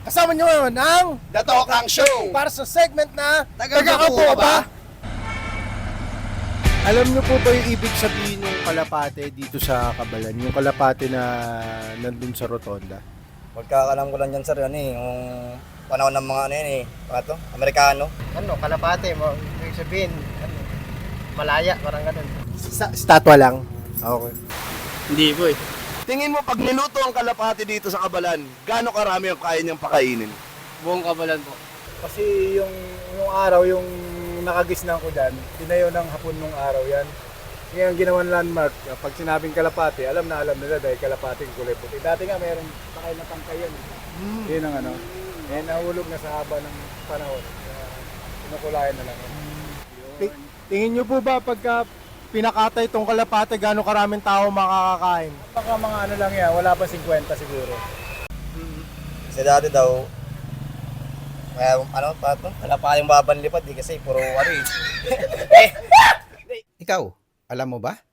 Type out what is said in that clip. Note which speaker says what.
Speaker 1: Kasama nyo ngayon ang
Speaker 2: The Tokang Show!
Speaker 1: para sa segment na
Speaker 2: Taga-Kapo ka ba?
Speaker 1: Alam nyo po ba yung ibig sabihin ng kalapate dito sa Cabalan? Yung kalapate na nandun sa Rotonda?
Speaker 3: Pagkakalam ko lang dyan, sir, yung panahon ng mga Amerikano.
Speaker 4: Kalapate mo, ibig sabihin, malaya, parang ganun.
Speaker 1: Statwa lang? Okay.
Speaker 4: Hindi po eh.
Speaker 2: Tingin mo pag niluto ang kalapati dito sa Kabalan, gaano karami ang kaya niyang pakainin?
Speaker 4: Buong Kabalan po.
Speaker 5: Kasi yung araw, yung nakagisnan ko dyan, tinayo ng hapon nung araw yan. Ngayon ginawan landmark, pag sinabing kalapati, alam nila dahil kalapati yung kulay puti. Dati nga mayroong takay na tangkay yan. Yun ang nahulog na sa haba ng panahon. Pinukulayan na lang.
Speaker 1: Tingin nyo po ba pagka pinakatay itong kalapate, gano'ng karaming tao makakakain?
Speaker 5: Baka mga lang yan, wala pa 50 siguro.
Speaker 3: Kasi dati daw, wala pa kayong babanlipad kasi puro
Speaker 6: Ikaw, alam mo ba?